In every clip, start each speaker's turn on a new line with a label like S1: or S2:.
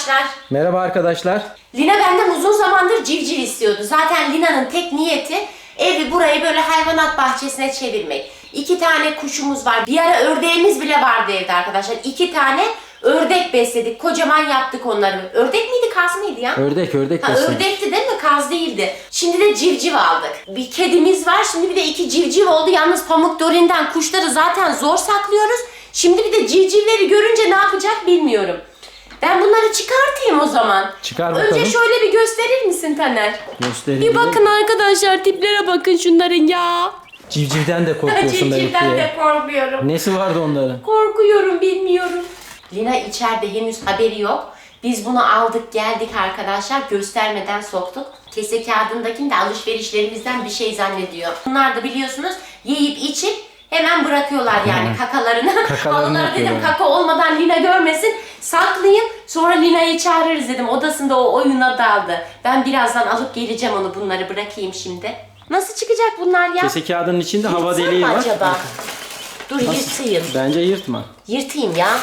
S1: arkadaşlar.
S2: Merhaba arkadaşlar.
S1: Lina benden uzun zamandır civciv istiyordu. Zaten Lina'nın tek niyeti evi burayı böyle hayvanat bahçesine çevirmek. 2 tane kuşumuz var. Bir ara ördeğimiz bile vardı evde arkadaşlar. 2 tane ördek besledik. Kocaman yaptık onları. Ördek miydi, kaz mıydı ya?
S2: Ördek besledik.
S1: Ördekti değil mi? Kaz değildi. Şimdi de civciv aldık. Bir kedimiz var. Şimdi bir de 2 civciv oldu. Yalnız Pamuk Dorin'den kuşları zaten zor saklıyoruz. Şimdi bir de civcivleri görünce ne yapacak bilmiyorum. Ben bunları çıkartayım o zaman.
S2: Çıkar bakalım.
S1: Önce şöyle bir gösterir misin Taner?
S2: Göstereyim.
S1: Bir bakın arkadaşlar, tiplere bakın şunların ya.
S2: Civcivden de korkuyorsun
S1: Civcivden
S2: belki.
S1: de korkuyorum.
S2: Nesi vardı onların?
S1: Korkuyorum, bilmiyorum. Lina içeride, henüz haberi yok. Biz bunu aldık geldik arkadaşlar, göstermeden soktuk. Kese kağıdındakini de alışverişlerimizden bir şey zannediyor. Bunlar da biliyorsunuz yiyip içip hemen bırakıyorlar yani kakalarını.
S2: Kakalarını
S1: Onlara dedim
S2: yapıyorlar.
S1: kaka olmadan Lina görmesin, saklayayım. Sonra Lina'yı çağırırız dedim. Odasında o oyuna daldı. Ben birazdan alıp geleceğim onu, bunları bırakayım şimdi. Nasıl çıkacak bunlar ya?
S2: Kese kağıdının içinde hava
S1: Yırtsam
S2: deliği
S1: mı
S2: var.
S1: acaba? Dur yırtayım.
S2: Bence yırtma.
S1: Yırtayım ya.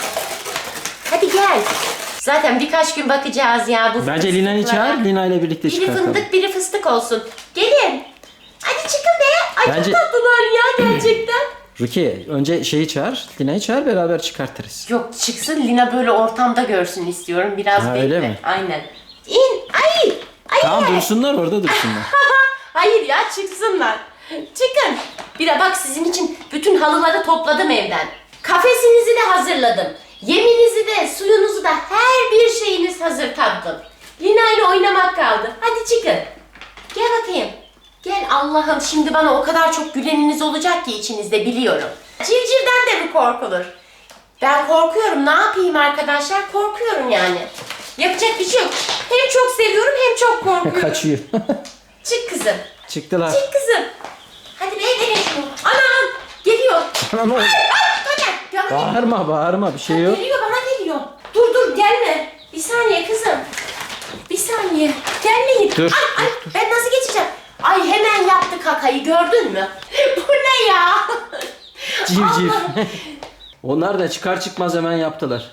S1: Hadi gel. Zaten birkaç gün bakacağız ya bu
S2: Bence Lina'yı
S1: fıstıklara.
S2: çağır, Lina ile birlikte
S1: Biri
S2: çıkartalım.
S1: fındık, biri fıstık olsun. Gelin. Hadi çıkın be. Ay
S2: Bence-
S1: çok tatlılar ya gerçekten.
S2: Rukiye, önce şeyi çağır, Lina'yı çağır, beraber çıkartırız.
S1: Yok, çıksın Lina böyle ortamda görsün istiyorum. Biraz
S2: Ha,
S1: bekle.
S2: öyle mi?
S1: Aynen. İn. Ay. Ay.
S2: Tamam, dursunlar orada dursunlar.
S1: Hayır ya, çıksınlar. Çıkın. Bir de bak, sizin için bütün halıları topladım evden. Kafesinizi de hazırladım. Yeminizi de, suyunuzu da, her bir şeyiniz hazır tatlım. Lina ile oynamak kaldı. Hadi çıkın. Gel bakayım. Gel Allah'ım, şimdi bana o kadar çok güleniniz olacak ki içinizde, biliyorum. Civcivden de mi korkulur? Ben korkuyorum. Ne yapayım arkadaşlar? Korkuyorum yani. Yapacak bir şey yok. Hem çok seviyorum hem çok korkuyorum.
S2: Kaçıyor.
S1: Çık kızım.
S2: Çıktılar.
S1: Çık kızım. Hadi be, verin şunu. Anam geliyor.
S2: Ana ne oldu?
S1: Taner, bana geliyor.
S2: Bağırma, bir şey yok.
S1: Geliyor, bana geliyor. Dur gelme. Bir saniye kızım. Bir saniye. Gelmeyin.
S2: Dur,
S1: Ay, ben nasıl geçeceğim? Ay, hemen yaptı kakayı, gördün mü? Bu ne ya?
S2: Civciv.
S1: Allah.
S2: Onlar da çıkar çıkmaz hemen yaptılar.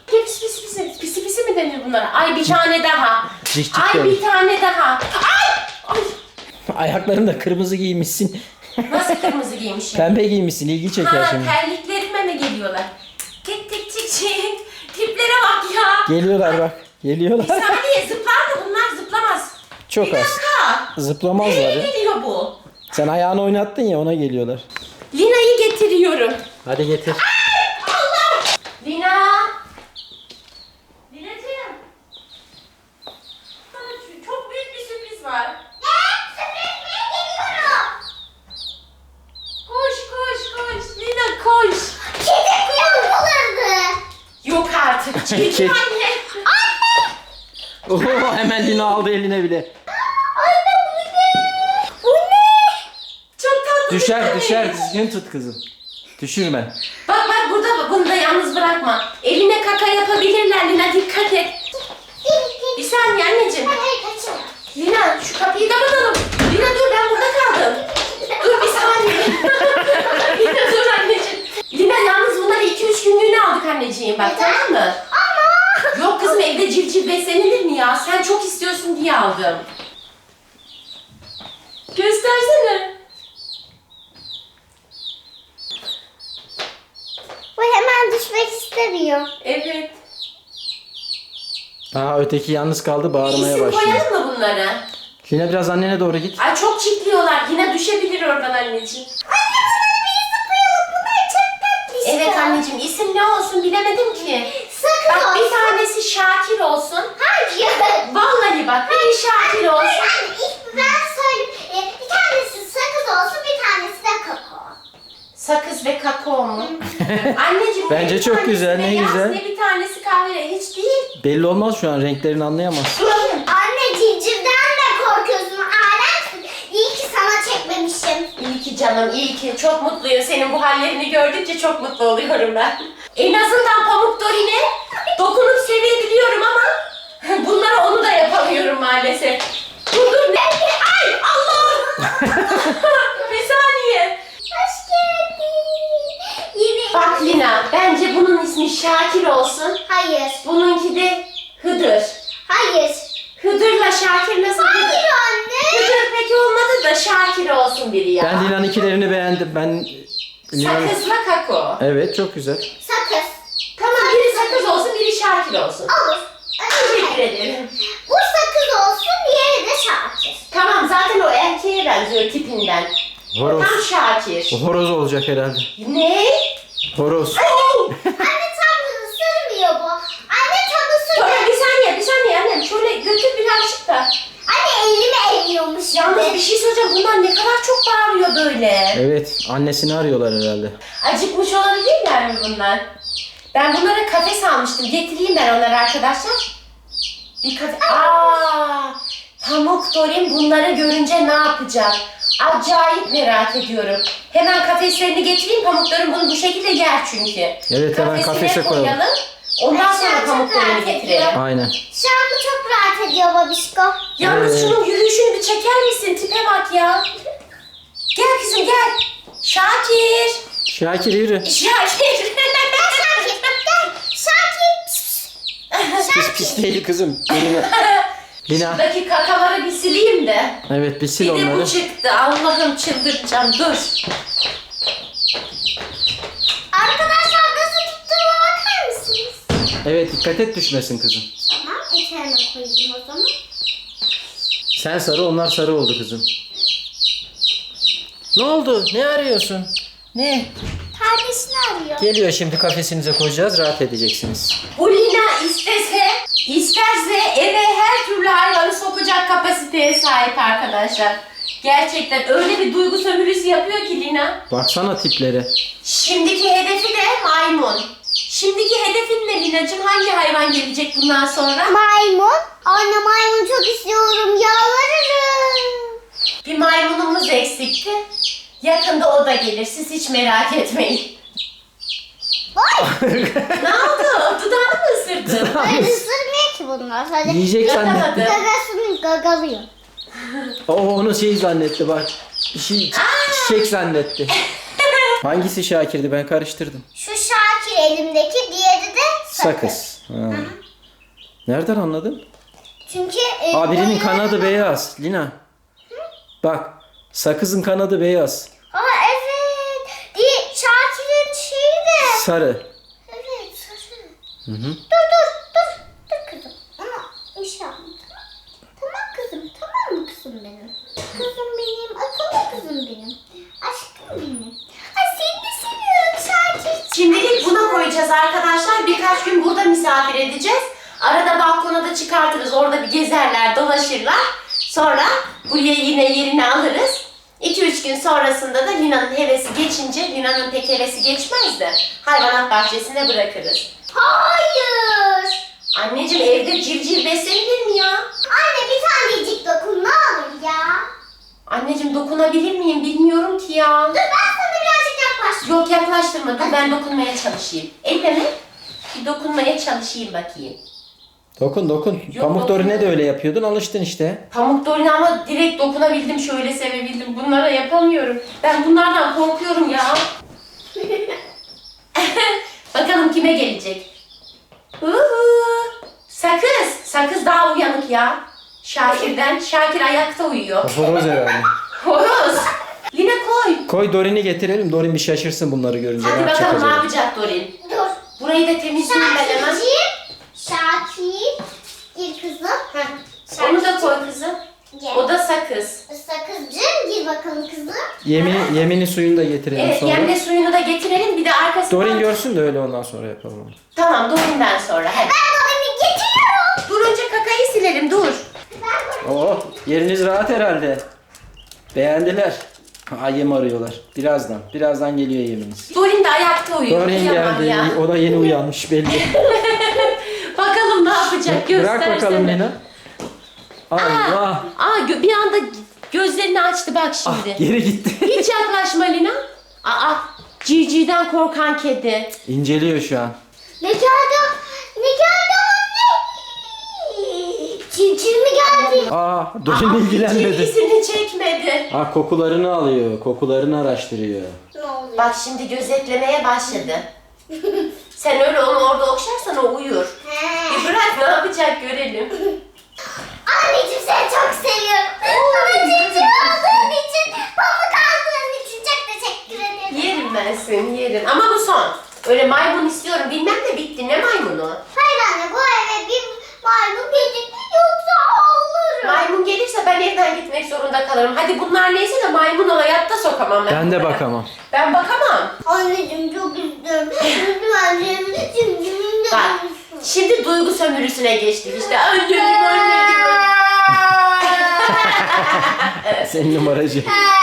S1: Pisi mi denir bunlara? Ay, bir tane daha.
S2: Cik cik
S1: Ay,
S2: denir.
S1: bir tane daha. Ay.
S2: Ayaklarını da kırmızı giymişsin.
S1: Nasıl kırmızı giymişim?
S2: Pembe giymişsin, ilgi çeker
S1: Ha,
S2: şimdi.
S1: terliklerime mi geliyorlar? Tik tik tik tik. Tiplere bak ya.
S2: Geliyorlar bak.
S1: Bir
S2: Geliyorlar.
S1: saniye, zıplar mı? Bunlar zıplamaz.
S2: Çok
S1: Bir
S2: az.
S1: dakika.
S2: Zıplamazlar
S1: Nereye
S2: ya.
S1: geliyor bu?
S2: Sen ayağını oynattın ya, ona geliyorlar.
S1: Lina'yı getiriyorum.
S2: Hadi getir.
S1: Allah! Lina! Lina'cığım. Sana çok büyük bir sürpriz var. Ne? Sürpriz mi? Geliyorum. Koş. Lina koş.
S3: Kedi kuyruğu.
S1: Yok artık. Çekil
S2: Kedi.
S1: anne.
S2: Oho, hemen Lina aldı eline bile.
S3: Anne bu ne? Bu ne?
S1: Çok tatlı.
S2: Düşer,
S1: bir
S2: düşer.
S1: bebek.
S2: Düzgün tut kızım. Düşürme.
S1: Bak burada, bunu da yalnız bırakma. Eline kaka yapabilirler Lina, dikkat et. Bir saniye anneciğim.
S3: Hayır kaçın.
S1: Lina, şu kapıyı kapatalım. Lina dur, ben burada kaldım. Dur bir saniye. Lina dur anneciğim. Lina, yalnız bunları 2-3 günlüğüne aldık anneciğim bak, tamam mı?
S3: Ama.
S1: Yok kızım, evde civciv beslenilir mi ya? Sen çok istiyorsun diye aldım. Göstersene.
S3: Bu hemen düşmek istemiyor.
S1: Evet.
S2: Aa, öteki yalnız kaldı, bağırmaya
S1: İsim
S2: başladı.
S1: koyalım mı bunları?
S2: Lina biraz annene doğru git.
S1: Ay, çok çitliyorlar. Yine düşebilir oradan anneciğim.
S3: Anne bana bir isim koyalım. Bunlar çok tatlı işte.
S1: Evet anneciğim, isim ne olsun bilemedim ki.
S3: Sakız
S1: Bak,
S3: olsun.
S1: bir tanesi Şakir olsun.
S3: Hayır.
S1: Vallahi bak, biri Şakir olsun.
S3: Anne ilk ben söyleyeyim. Bir tanesi sakız olsun, bir tanesi de kakao.
S1: Sakız ve kakao mu? Anneciğim,
S2: Bence
S1: bir
S2: çok
S1: tanesi
S2: güzel, ne
S1: beyaz,
S2: güzel.
S1: Ne bir tanesi kahverengi, hiç değil.
S2: Belli olmaz şu an, renklerini anlayamaz.
S3: Anne civcivden de korkuyorsun. Alemsin. İyi ki sana çekmemişim.
S1: İyi ki canım, iyi ki. Çok mutluyum. Senin bu hallerini gördükçe çok mutlu oluyorum ben. En azından Pamuk Dorin'e dokunup sevebiliyorum ama bunları onu da yapamıyorum maalesef. Dur. Ay Allah! Bir saniye.
S3: Hoş geldin. Yine.
S1: Bak Lina, bence bunun ismi Şakir olsun.
S3: Hayır.
S1: Bununki de Hıdır.
S2: güzel. Ben
S1: Sakızla kakao.
S2: Evet, çok güzel.
S3: Sakız.
S1: Tamam, biri sakız olsun, biri Şakir olsun.
S3: Olur.
S1: Teşekkür ederim.
S3: Bu sakız olsun, diğeri de Şakir.
S1: Tamam, zaten o erkeğe benziyor tipinden.
S2: Horoz.
S1: Tam Şakir.
S2: O horoz olacak herhalde.
S1: Ne?
S2: Horoz.
S3: Anne tam ısırmıyor bu. Anne tam
S1: Sonra
S3: ısırmıyor.
S1: bir saniye annem. Şöyle götür birazcık da.
S3: Anne elimi eliyormuş.
S1: Yalnız bir şey söyleyeceğim. Bunlar ne kadar çok bağırıyor böyle.
S2: Evet, annesini arıyorlar herhalde.
S1: Acıkmış olabilirler mi bunlar? Ben bunlara kafes almıştım. Getireyim ben onları arkadaşlar. Bir kafe... Pamuk Dorin bunları görünce ne yapacak? Acayip merak ediyorum. Hemen kafeslerini getireyim. Pamuk Dorin bunu bu şekilde yer çünkü.
S2: Evet, hemen kafese koyalım.
S1: Ondan sonra
S3: Aşağı
S1: Pamuk
S3: çok
S1: Dorin'i
S3: rahat
S1: getirelim.
S3: ediyor.
S2: Aynen.
S3: Şu an bu çok rahat ediyor babişko.
S1: Yalnız
S2: Evet.
S1: şunun yürüyüşünü bir çeker misin? Tipe bak ya. Gel kızım gel. Şakir.
S2: Şakir yürü.
S1: Şakir.
S3: Şakir.
S2: Pis değil kızım. Elime. Lina.
S1: Şuradaki kakaları bir sileyim de.
S2: Evet, bir sil
S1: Bir de
S2: onları.
S1: bu çıktı. Allah'ım çıldıracağım. Dur.
S3: Arkadaşlar nasıl tuttuğuma bakar mısınız?
S2: Evet, dikkat et düşmesin kızım.
S3: Tamam, eteğime koyayım o zaman.
S2: Sen sarı, onlar sarı oldu kızım. Ne oldu? Ne arıyorsun? Ne?
S3: Kardeşini arıyor.
S2: Geliyor, şimdi kafesinize koyacağız, rahat edeceksiniz.
S1: Bu Lina isterse eve her türlü hayvanı sokacak kapasiteye sahip arkadaşlar. Gerçekten öyle bir duygu sömürüsü yapıyor ki Lina.
S2: Baksana tiplere.
S1: Şimdiki hedefi de maymun. Şimdiki hedefin ne Lina'cığım? Hangi hayvan gelecek bundan sonra?
S3: Maymun. Anne maymun çok istiyorum. Yalvarırım.
S1: Bir maymunumuz eksikti. Yakında o da gelir. Siz hiç merak etmeyin. Ne oldu? Dudağını mı ısırdın?
S3: Hayır ısırmıyor ki bunlar. Sadece
S2: Yiyecek zannetti.
S1: Yatamadı.
S3: gagasını gagalıyor.
S2: O onu şey zannetti bak. Bir şey çiçek zannetti. Hangisi Şakir'di? Ben karıştırdım.
S3: Şu Şakir elimdeki, diğeri de sakız.
S2: Sakız. Ha. Nereden anladın?
S3: Çünkü
S2: Birinin
S3: boynu-
S2: kanadı beyaz. Lina. Bak. Sakızın kanadı beyaz.
S3: Aa evet. Şakir'in şeyi de.
S2: Sarı.
S3: Evet sarı.
S2: Hı hı.
S3: Dur kızım. Ama inşallah. Tamam kızım. Tamam mı kızım benim? Kızım benim. Akıllı kızım benim. Aşkım benim. Ay seni de seviyorum Şakir.
S1: Şimdilik buna koyacağız arkadaşlar. Birkaç gün burada misafir edeceğiz. Arada balkona da çıkartırız. Orada bir gezerler, dolaşırlar. Sonra buraya yine yerini alırız. 2-3 gün sonrasında da Lina'nın hevesi geçince, Lina'nın pek hevesi geçmez de hayvanat bahçesine bırakırız.
S3: Hayır.
S1: Anneciğim evde civciv beslenilir mi ya?
S3: Anne bir tanecik dokun ne olur ya.
S1: Anneciğim dokunabilir miyim bilmiyorum ki ya.
S3: Dur ben sana birazcık yaklaştım.
S1: Yok yaklaştırma, dur ben dokunmaya çalışayım. Elle mi? Bir dokunmaya çalışayım bakayım.
S2: Dokun.
S1: Yok,
S2: Pamuk
S1: dokun.
S2: Dorin'e de öyle yapıyordun, alıştın işte.
S1: Pamuk Dorin'e ama direkt dokunabildim, şöyle sevebildim. Bunlara yapamıyorum. Ben bunlardan korkuyorum ya. Bakalım kime gelecek? Sakız. Sakız daha uyanık ya. Şakir'den. Şakir ayakta uyuyor.
S2: Horoz herhalde.
S1: Horoz. Lina koy.
S2: Koy Dorin'i getirelim. Dorin bir şaşırsın bunları görünce.
S1: Hadi
S2: ne yapacak
S1: bakalım ne
S2: acaba?
S1: yapacak Dorin.
S3: Dur.
S1: Burayı da temizleyeyim ben hemen.
S3: Şakir. Gir kızım.
S1: Heh. Onu da koy kızım.
S3: Gel.
S1: O da sakız.
S3: Sakızcığım gir bakalım kızım.
S2: Yemini suyunu da getirelim
S1: Evet,
S2: sonra.
S1: yemle suyunu da getirelim. Bir de arkasından...
S2: Dorin görsün de öyle ondan sonra yapalım onu.
S1: Tamam, Dorin'den sonra. Hadi.
S3: Ben onu getiriyorum.
S1: Dur önce kakayı silelim, dur.
S3: Ben bunu...
S2: Oh, yeriniz rahat herhalde. Beğendiler. Yem arıyorlar. Birazdan geliyor yeminiz.
S1: Dorin de ayakta uyuyor.
S2: Dorin
S1: Kıyamam
S2: geldi.
S1: ya.
S2: O da yeni uyanmış belli.
S1: Bakalım ne yapacak, göstersene.
S2: Bırak bakalım Lina. Allah.
S1: Bir anda gözlerini açtı bak şimdi.
S2: Geri gitti.
S1: Hiç yaklaşma Lina. Civcivden korkan kedi.
S2: İnceliyor şu an.
S3: Ne geldi? Ne geldi anne? Civciv mi geldi?
S2: Dorin ilgilenmedi.
S1: Civcivsini çekmedi.
S2: Kokularını alıyor. Kokularını araştırıyor.
S3: Ne oluyor?
S1: Bak şimdi gözetlemeye başladı. Sen öyle onu orada okşarsan o uyur.
S3: He.
S1: Bir bırak ne yapacak görelim.
S3: Anneciğim seni çok seviyorum. Bana civciv aldığın için, pamuk aldığın için çok teşekkür
S1: ben seni yerim. Ama bu son. Öyle maymun istiyorum bilmem de bitti. Ne maymunu?
S3: Hayır anne, bu eve bir maymun gelecek yoksa ağlarım.
S1: Maymun gelirse ben evden gitmek zorunda kalırım. Hadi bunlar neyse de maymunu hayatta sokamam ben.
S2: Ben de
S1: bunlara.
S2: bakamam.
S1: Ben bakamam.
S3: Anneciğim çok istiyorum. Lütfen şimdi
S1: Bak şimdi duygu sömürüsüne geçtik işte. Anneciğim.
S2: Senin numaracı.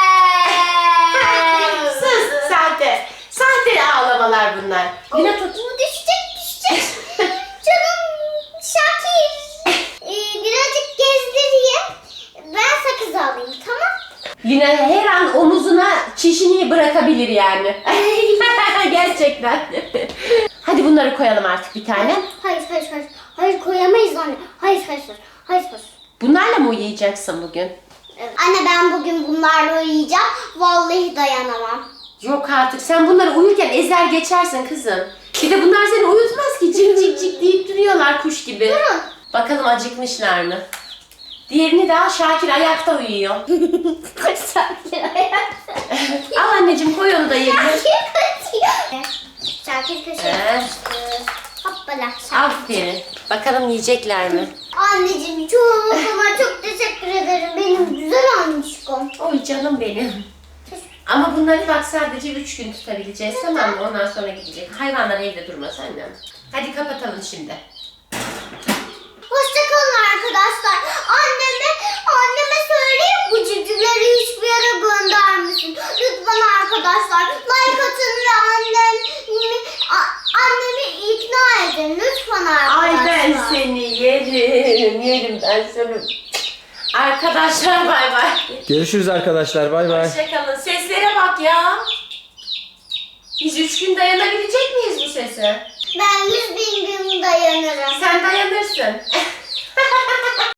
S1: Sus sahte. Sahte ağlamalar bunlar. Yine tut.
S3: Bu düşecek. Canım Şakir. Birazcık gezdireyim. Ben sakız alayım, tamam?
S1: Yine her an omuzuna çişini bırakabilir yani. Gerçekten. Hadi bunları koyalım artık bir tane.
S3: Hayır. Hayır koyamayız anne. Hayır.
S1: Bunlarla mı uyuyacaksın bugün?
S3: Evet. Anne ben bugün bunlarla uyuyacağım. Vallahi dayanamam.
S1: Yok artık sen bunları uyurken ezer geçersin kızım. Bir de bunlar seni uyutmaz ki cik cik cik deyip duruyorlar kuş gibi.
S3: Durun.
S1: Bakalım acıkmışlar mı? Diğerini daha Şakir ayakta uyuyor.
S3: Şakir ayakta.
S1: Al anneciğim koy onu da yerine.
S3: Şakir kaçıyor. Şakir köşeye
S1: Ee?
S3: kaçtı. Hoppala.
S1: Aferin. Bakalım yiyecekler mi?
S3: Anneciğim çok teşekkür ederim. Benim güzel anneciğim.
S1: Oy canım benim. Ama bunları bak sadece 3 gün tutabileceğiz tamam mı? Ondan sonra gidecek. Hayvanlar evde durmaz annem. Hadi kapatalım şimdi.
S3: Hoşçakalın arkadaşlar. Anneme söyleyeyim bu civcivleri hiçbir yere göndermesin. Lütfen arkadaşlar like atın ve annemi ikna edin. Lütfen
S1: Ay
S3: arkadaşlar.
S1: ben seni yerim ben seni. Arkadaşlar bay bay.
S2: Görüşürüz arkadaşlar. Bay bay.
S1: Hoşçakalın. Seslere bak ya. Biz 3 gün dayanabilecek miyiz bu sese?
S3: Ben 100.000 gün dayanırım.
S1: Sen dayanırsın.